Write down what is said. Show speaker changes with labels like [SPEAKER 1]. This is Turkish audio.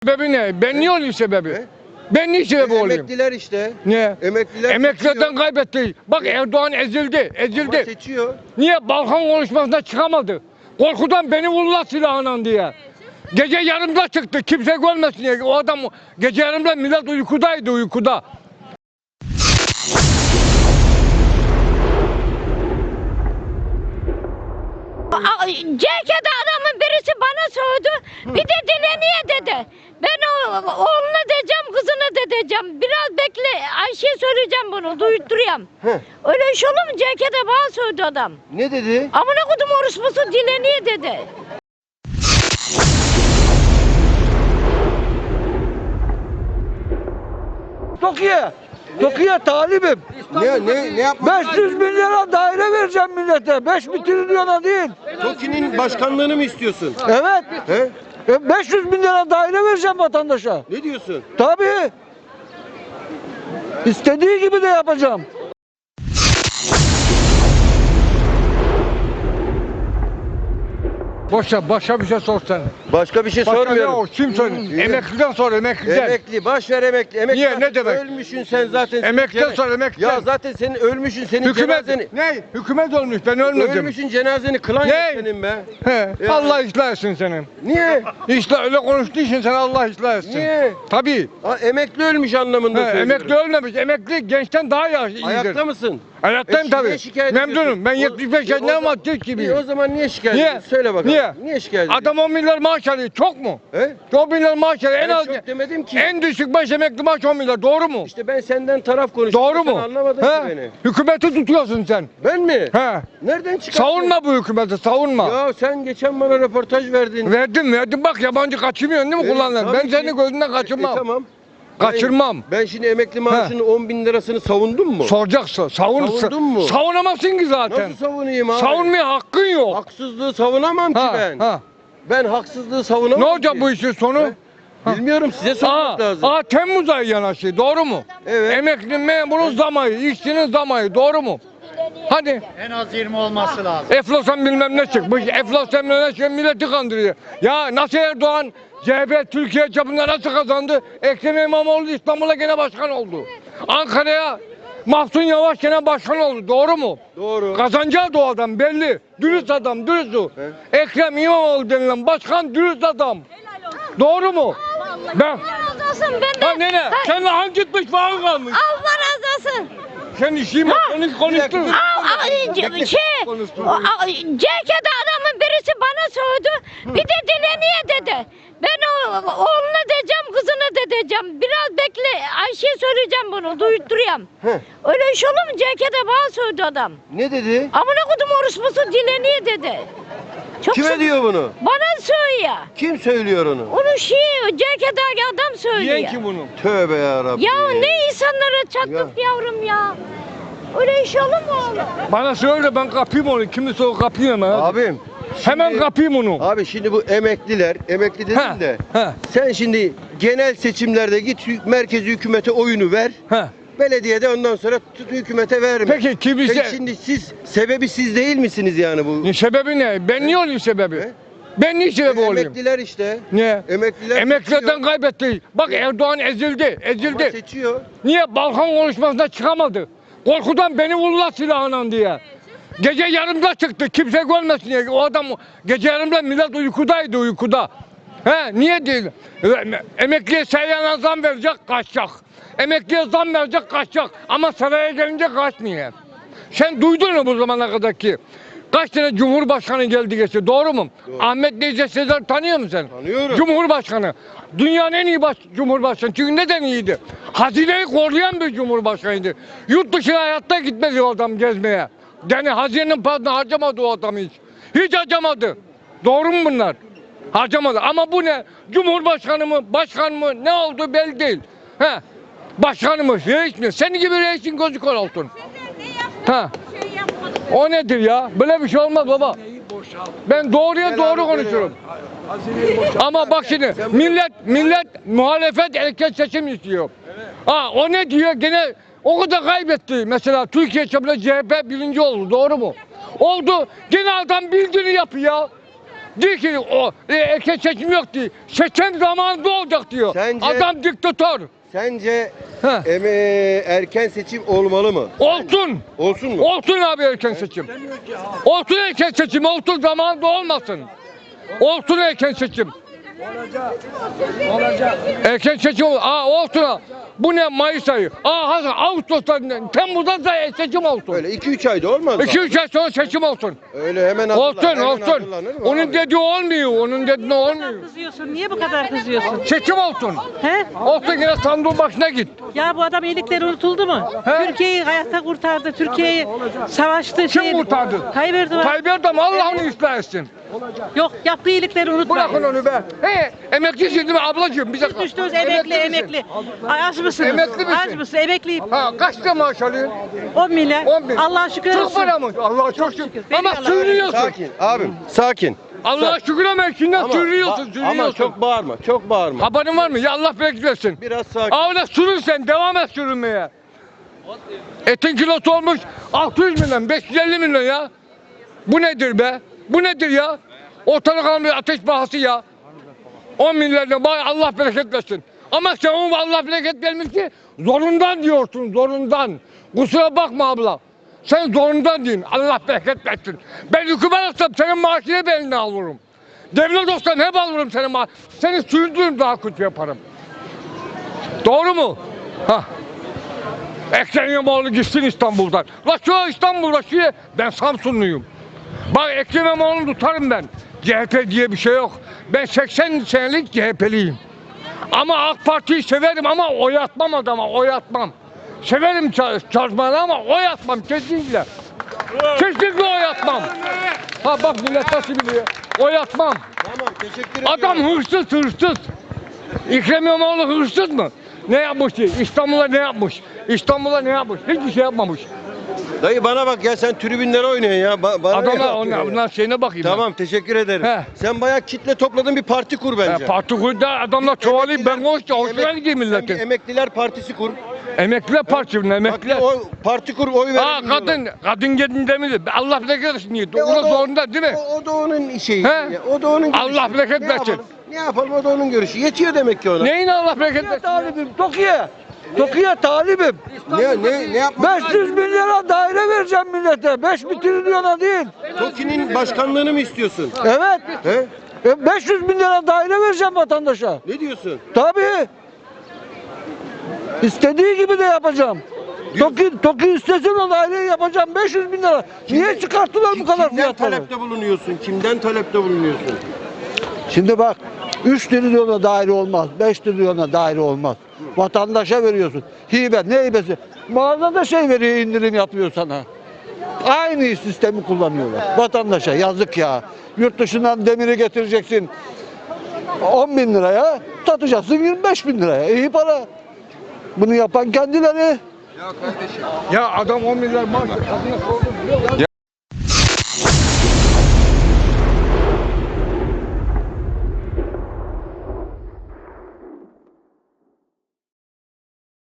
[SPEAKER 1] Sebebi ne? Ben niye olayım sebebi?
[SPEAKER 2] Ne?
[SPEAKER 1] Ben niye sebebi olayım?
[SPEAKER 2] Emekliler işte.
[SPEAKER 1] Niye?
[SPEAKER 2] Emekliler
[SPEAKER 1] Emeklilerden
[SPEAKER 2] seçiyor.
[SPEAKER 1] kaybetti. Bak Erdoğan ezildi,
[SPEAKER 2] Ama
[SPEAKER 1] ezildi.
[SPEAKER 2] seçiyor.
[SPEAKER 1] Niye? Balkan konuşmasına çıkamadı. Korkudan beni vurdular silahla diye. Gece yarımda çıktı, kimse görmesin diye. O adam gece yarımda millet uykudaydı, uykuda.
[SPEAKER 3] CK'de adamın birisi bana sordu. Bir de dile niye dedi. Ben oğluna diyeceğim, kızına da diyeceğim. Biraz bekle, Ayşe'ye söyleyeceğim bunu, duyutturayım. Öyle iş olur mu? CK'de bana sordu adam.
[SPEAKER 2] Ne dedi?
[SPEAKER 3] Amına kodum orospusu dile niye dedi.
[SPEAKER 4] Toki'ye talibim.
[SPEAKER 2] Ne yapmak?
[SPEAKER 4] 500 bin lira daire vereceğim millete. 5 trilyona değil.
[SPEAKER 2] TOKİ'nin başkanlığını mı istiyorsun?
[SPEAKER 4] Evet.
[SPEAKER 2] He?
[SPEAKER 4] 500 bin lira daire vereceğim vatandaşa.
[SPEAKER 2] Ne diyorsun?
[SPEAKER 4] Tabii. İstediği gibi de yapacağım.
[SPEAKER 1] Başka bir şey sorsan.
[SPEAKER 2] Başka bir şey
[SPEAKER 1] Başka ne
[SPEAKER 2] sormuyorum.
[SPEAKER 1] o? Kim söylüyor? Emekliden sor, emekliden.
[SPEAKER 2] Emekli, baş ver emekli. Emekli
[SPEAKER 1] Niye,
[SPEAKER 2] zaten
[SPEAKER 1] ne demek?
[SPEAKER 2] Ölmüşsün sen zaten.
[SPEAKER 1] Emekliden
[SPEAKER 2] Cene-
[SPEAKER 1] sor, emekliden.
[SPEAKER 2] Ya zaten senin ölmüşsün, senin cenazeni.
[SPEAKER 1] Hükümet, ne? Hükümet olmuş, ben ölmedim.
[SPEAKER 2] Ölmüşsün, cenazeni kılan
[SPEAKER 1] Ne?
[SPEAKER 2] yok senin be.
[SPEAKER 1] He,
[SPEAKER 2] Ya.
[SPEAKER 1] Allah ıslah etsin senin.
[SPEAKER 2] Niye?
[SPEAKER 1] İşte öyle konuştuğu için sen Allah ıslah etsin.
[SPEAKER 2] Niye?
[SPEAKER 1] Tabii.
[SPEAKER 2] Emekli ölmüş anlamında
[SPEAKER 1] He,
[SPEAKER 2] söylüyorum.
[SPEAKER 1] emekli ölmemiş. Emekli gençten daha iyidir.
[SPEAKER 2] Ayakta mısın?
[SPEAKER 1] Hayattayım
[SPEAKER 2] şimdi niye
[SPEAKER 1] tabii.
[SPEAKER 2] şikayet
[SPEAKER 1] Memnunum.
[SPEAKER 2] ediyorsun?
[SPEAKER 1] Ben
[SPEAKER 2] O-
[SPEAKER 1] 75
[SPEAKER 2] o
[SPEAKER 1] yaşındayım
[SPEAKER 2] zaman-
[SPEAKER 1] ama Türk
[SPEAKER 2] İyi, o
[SPEAKER 1] gibiyim.
[SPEAKER 2] zaman niye şikayet
[SPEAKER 1] Niye?
[SPEAKER 2] ediyorsun? Söyle bakalım.
[SPEAKER 1] Niye?
[SPEAKER 2] Niye şikayet ediyorsun?
[SPEAKER 1] Adam 10 milyar maaş alıyor. Çok mu?
[SPEAKER 2] He?
[SPEAKER 1] 10 milyar maaş alıyor. En
[SPEAKER 2] Ben
[SPEAKER 1] az
[SPEAKER 2] çok demedim ki.
[SPEAKER 1] en düşük baş emekli maaş 10 milyar. Doğru mu?
[SPEAKER 2] İşte ben senden taraf konuşuyorum.
[SPEAKER 1] Doğru
[SPEAKER 2] Sen
[SPEAKER 1] mu?
[SPEAKER 2] anlamadın
[SPEAKER 1] He?
[SPEAKER 2] ki beni.
[SPEAKER 1] Hükümeti tutuyorsun sen.
[SPEAKER 2] Ben mi?
[SPEAKER 1] He.
[SPEAKER 2] Nereden çıkarttın?
[SPEAKER 1] Savunma bu hükümeti, savunma.
[SPEAKER 2] Ya sen geçen bana röportaj verdin.
[SPEAKER 1] Verdim. Bak yabancı kaçırmıyorsun değil mi kullandın?
[SPEAKER 2] Tabii
[SPEAKER 1] Ben
[SPEAKER 2] ki.
[SPEAKER 1] senin gözünden kaçırmam.
[SPEAKER 2] Tamam.
[SPEAKER 1] Kaçırmam.
[SPEAKER 2] Ben şimdi emekli maaşının 10 bin lirasını savundum mu?
[SPEAKER 1] Soracaksın.
[SPEAKER 2] Savundun mu?
[SPEAKER 1] Savunamazsın ki zaten.
[SPEAKER 2] Nasıl savunayım abi?
[SPEAKER 1] Savunmaya hakkın yok.
[SPEAKER 2] Haksızlığı savunamam ki ben. Ben haksızlığı savunamam
[SPEAKER 1] Ne olacak
[SPEAKER 2] ki.
[SPEAKER 1] bu işin sonu?
[SPEAKER 2] Bilmiyorum, size sormak lazım.
[SPEAKER 1] Temmuz ayı yanaşıyor. Doğru mu?
[SPEAKER 2] Evet.
[SPEAKER 1] Emekli memurun zam ayı, işçinin zam ayı. Doğru mu? Hadi.
[SPEAKER 5] En az 20 olması lazım.
[SPEAKER 1] Eflosan bilmem ne çıkmış. Eflosan bilmem ne çıkmış. Milleti kandırıyor. Ya nasıl Erdoğan CHP Türkiye çapında nasıl kazandı? Ekrem İmamoğlu İstanbul'a gene başkan oldu. Ankara'ya Mahsun Yavaş gene başkan oldu. Doğru mu?
[SPEAKER 2] Doğru.
[SPEAKER 1] Kazanacağı da o adam belli. Dürüst adam, dürüst o. Ekrem İmamoğlu denilen başkan dürüst adam. Doğru mu? Ben.
[SPEAKER 3] Allah razı olsun ben de.
[SPEAKER 1] Ha nene, sen hangi gitmiş bağın kalmış?
[SPEAKER 3] Allah razı olsun.
[SPEAKER 1] Sen işimi konuştur.
[SPEAKER 3] CK'de adamın birisi bana sordu. Bir de dile niye dedi. Ben oğluna diyeceğim, kızına da diyeceğim. Biraz bekle, Ayşe'ye söyleyeceğim bunu, duyutturayım. Öyle iş olur mu? CK'de bana sordu adam.
[SPEAKER 2] Ne dedi?
[SPEAKER 3] Amına kodum orospusu dile niye dedi. Çok
[SPEAKER 2] Kime diyor bunu?
[SPEAKER 3] Bana söylüyor.
[SPEAKER 2] Kim söylüyor onu?
[SPEAKER 3] Onu CK'deki adam söylüyor.
[SPEAKER 1] Yiyen kim bunu?
[SPEAKER 2] Tövbe ya Rabbi.
[SPEAKER 3] Ya ne insanlara çattık yavrum ya. Öyle iş olur mu oğlum?
[SPEAKER 1] Bana söyle ben kapayım onu. Kimse o kapayım ha.
[SPEAKER 2] Abim.
[SPEAKER 1] Hemen
[SPEAKER 2] şimdi-
[SPEAKER 1] kapayım onu.
[SPEAKER 2] Abi şimdi bu emekliler, emekli dedin
[SPEAKER 1] Ha,
[SPEAKER 2] de.
[SPEAKER 1] ha.
[SPEAKER 2] Sen şimdi genel seçimlerde git merkezi hükümete oyunu ver.
[SPEAKER 1] Ha.
[SPEAKER 2] Belediyede ondan sonra hükümete verme.
[SPEAKER 1] Peki kimse...
[SPEAKER 2] Peki şimdi sebebi siz değil misiniz yani bu?
[SPEAKER 1] Sebebi ne? Ben niye olayım sebebi?
[SPEAKER 2] Ne?
[SPEAKER 1] Ben niye sebebi olayım?
[SPEAKER 2] Emekliler işte.
[SPEAKER 1] Niye?
[SPEAKER 2] Emekliler
[SPEAKER 1] Emeklilerden
[SPEAKER 2] seçiyor.
[SPEAKER 1] kaybetti. Bak Erdoğan ezildi,
[SPEAKER 2] Ama
[SPEAKER 1] ezildi.
[SPEAKER 2] seçiyor.
[SPEAKER 1] Niye? Balkan konuşmasına çıkamadı. Korkudan beni vurdular silahla diye. Gece yarımda çıktı, kimse görmesin diye. O adam gece yarımda millet uykudaydı, uykuda. He, niye değil? Emekliye seyyana zam verecek, kaçacak. Emekliye zam verecek, kaçacak. Ama saraya gelince kaçmıyor. Sen duydun mu bu zamana kadar ki? Kaç tane Cumhurbaşkanı geldi geçti, doğru mu?
[SPEAKER 2] Doğru.
[SPEAKER 1] Ahmet Necdet Sezer tanıyor musun sen?
[SPEAKER 2] Tanıyorum.
[SPEAKER 1] Cumhurbaşkanı. Dünyanın en iyi Cumhurbaşkanı. Çünkü neden iyiydi? Hazineyi koruyan bir Cumhurbaşkanıydı. Yurt dışına hayatta gitmedi o adam gezmeye. Yani hazinenin parasını harcamadı o adam hiç. Hiç harcamadı. Doğru mu bunlar? Harcamadı. Ama bu ne? Cumhurbaşkanı mı, başkan mı, ne oldu belli değil. He. Başkanı mı, reis mi? Senin gibi reisin gözü kör olsun. Ha. O nedir ya? Böyle bir şey olmaz baba. Ben doğruya doğru konuşuyorum. Ama bak şimdi millet muhalefet erken seçim istiyor. O ne diyor? Gene o kadar kaybetti. Mesela Türkiye çapında CHP birinci oldu. Doğru mu? Oldu. Gene adam bildiğini yapıyor. Diyor ki o erken seçim yok diyor. Seçim zamanında olacak diyor.
[SPEAKER 2] Sence-
[SPEAKER 1] Adam diktatör.
[SPEAKER 2] Sence
[SPEAKER 1] Heh.
[SPEAKER 2] erken seçim olmalı mı?
[SPEAKER 1] Olsun.
[SPEAKER 2] Olsun mu?
[SPEAKER 1] Olsun abi erken seçim. Olsun erken seçim. Olsun zamanında olmasın. Olsun erken seçim.
[SPEAKER 4] Olacak.
[SPEAKER 1] Erken seçim olsun. Olsun. Bu ne Mayıs ayı? Hasan Ağustos'ta Temmuz'da da seçim olsun.
[SPEAKER 2] Öyle 2-3 ayda olmaz mı?
[SPEAKER 1] 2-3 ay sonra seçim olsun.
[SPEAKER 2] Öyle hemen
[SPEAKER 1] Olsun
[SPEAKER 2] hemen
[SPEAKER 1] olsun.
[SPEAKER 2] hazırlanır mı
[SPEAKER 1] Onun
[SPEAKER 2] abi?
[SPEAKER 1] dediği olmuyor. Onun dediği olmuyor.
[SPEAKER 5] Kızıyorsun. Niye bu kadar kızıyorsun?
[SPEAKER 1] Seçim olsun.
[SPEAKER 5] He?
[SPEAKER 1] Olsun yine sandığın başına git.
[SPEAKER 5] Ya bu adam iyilikleri unutuldu mu?
[SPEAKER 1] He?
[SPEAKER 5] Türkiye'yi hayatta kurtardı. Türkiye'yi savaştı.
[SPEAKER 1] Kim kurtardı?
[SPEAKER 5] Tayyip Erdoğan.
[SPEAKER 1] Tayyip Erdoğan Allah onu ıslah etsin.
[SPEAKER 5] Yok yaptığı iyilikleri unutma.
[SPEAKER 1] Bırakın onu be. Emeklisin değil mi ablacığım? Bize
[SPEAKER 5] Düştünüz emekli
[SPEAKER 1] misin?
[SPEAKER 5] emekli. Ay, az mısınız?
[SPEAKER 1] Emekli misin?
[SPEAKER 5] Az mısın? Emekliyim.
[SPEAKER 1] Kaç lira maaş alıyorsun?
[SPEAKER 5] 10 milyar.
[SPEAKER 1] 10 bin.
[SPEAKER 5] Allah'a şükür
[SPEAKER 1] Çok
[SPEAKER 5] olsun.
[SPEAKER 1] para mı? Allah'a çok şükür.
[SPEAKER 5] şükür.
[SPEAKER 1] Ama
[SPEAKER 5] Veriyorlar.
[SPEAKER 1] sürünüyorsun.
[SPEAKER 2] Sakin abim, sakin.
[SPEAKER 1] Allah'a şükür ama içinden sürünüyorsun,
[SPEAKER 2] ama
[SPEAKER 1] sürünüyorsun.
[SPEAKER 2] çok bağırma, çok bağırma.
[SPEAKER 1] Haberin var mı? Ya Allah bereket versin.
[SPEAKER 2] Biraz sakin.
[SPEAKER 1] Öyle sürün sen, devam et sürünmeye. Etin kilosu olmuş 600 milyon, 550 milyon ya. Bu nedir be? Bu nedir ya? Ortalık almıyor ateş pahası ya. 10 milyarla bay Allah bereket versin. Ama sen onu Allah bereket vermiş ki zorundan diyorsun, zorundan. Kusura bakma abla. Sen zorundan diyorsun. Allah bereket versin. Ben hükümet olsam senin maaşını ben eline alırım. Devlet olsam hep alırım senin maaşını. Seni sürdürürüm daha kötü yaparım. Doğru mu? Hah. Ekrem İmamoğlu gitsin İstanbul'dan. La şu İstanbul'da ben Samsunluyum. Bak Ekrem İmamoğlu'nu tutarım ben. CHP diye bir şey yok. Ben 80 senelik CHP'liyim. Ama AK Parti'yi severim ama oy atmam adama, oy atmam. Severim çalışmaları ama oy atmam kesinlikle. Kesinlikle oy atmam. Ha bak millet nasıl biliyor. Oy atmam.
[SPEAKER 2] Tamam, teşekkür ederim.
[SPEAKER 1] Adam hırsız. Ekrem İmamoğlu hırsız mı? Ne yapmış ki? İstanbul'a ne yapmış? İstanbul'a ne yapmış? Hiçbir şey yapmamış.
[SPEAKER 2] Dayı bana bak ya, sen tribünlere oynuyorsun ya. Bana ne
[SPEAKER 1] Adamlar
[SPEAKER 2] yapıyorsun ya?
[SPEAKER 1] ondan şeyine bakayım.
[SPEAKER 2] Tamam, teşekkür ederim.
[SPEAKER 1] He.
[SPEAKER 2] Sen bayağı kitle topladın, bir parti kur bence.
[SPEAKER 1] Parti kurdu adamlar çoğalayıp ben hoşuna gideyim
[SPEAKER 2] Sen bir
[SPEAKER 1] milletin.
[SPEAKER 2] Emekliler Partisi kur.
[SPEAKER 1] Emekliler Partisi'nin
[SPEAKER 2] Bak,
[SPEAKER 1] emekliler.
[SPEAKER 2] parti kur, oy ver.
[SPEAKER 1] Kadın gelin demedi. Allah bereket versin diye. Ona zorunda değil mi?
[SPEAKER 2] O da onun şeyi.
[SPEAKER 1] He?
[SPEAKER 2] O da onun görüşü.
[SPEAKER 1] Allah bereket
[SPEAKER 2] Ne
[SPEAKER 1] versin.
[SPEAKER 2] yapalım? Ne yapalım, o da onun görüşü. Yetiyor demek ki ona.
[SPEAKER 1] Neyin Allah bereket versin?
[SPEAKER 4] Talibim, Toki'ye. Toki'ye talibim.
[SPEAKER 2] Ne yapmak?
[SPEAKER 4] 500 bin lira daire vereceğim millete. 5 trilyona değil.
[SPEAKER 2] TOKİ'nin başkanlığını mı istiyorsun?
[SPEAKER 4] Evet.
[SPEAKER 2] He?
[SPEAKER 4] 500 bin lira daire vereceğim vatandaşa.
[SPEAKER 2] Ne diyorsun?
[SPEAKER 4] Tabii. İstediği gibi de yapacağım. Toki istesin o daireyi yapacağım 500 bin lira. Niye çıkarttılar bu kadar
[SPEAKER 2] Kimden
[SPEAKER 4] fiyatları?
[SPEAKER 2] talepte bulunuyorsun? Kimden talepte bulunuyorsun?
[SPEAKER 4] Şimdi bak 3 trilyona daire olmaz, 5 trilyona daire olmaz. Vatandaşa veriyorsun. Hibe, ne hibesi? Mağazada şey veriyor, indirim yapıyor sana. Aynı sistemi kullanıyorlar. Vatandaşa yazık ya. Yurt dışından demiri getireceksin 10 bin liraya, satacaksın 25 bin liraya. İyi para. Bunu yapan kendileri.
[SPEAKER 1] Ya adam 10 milyar maaş kadına sordu biliyor musun?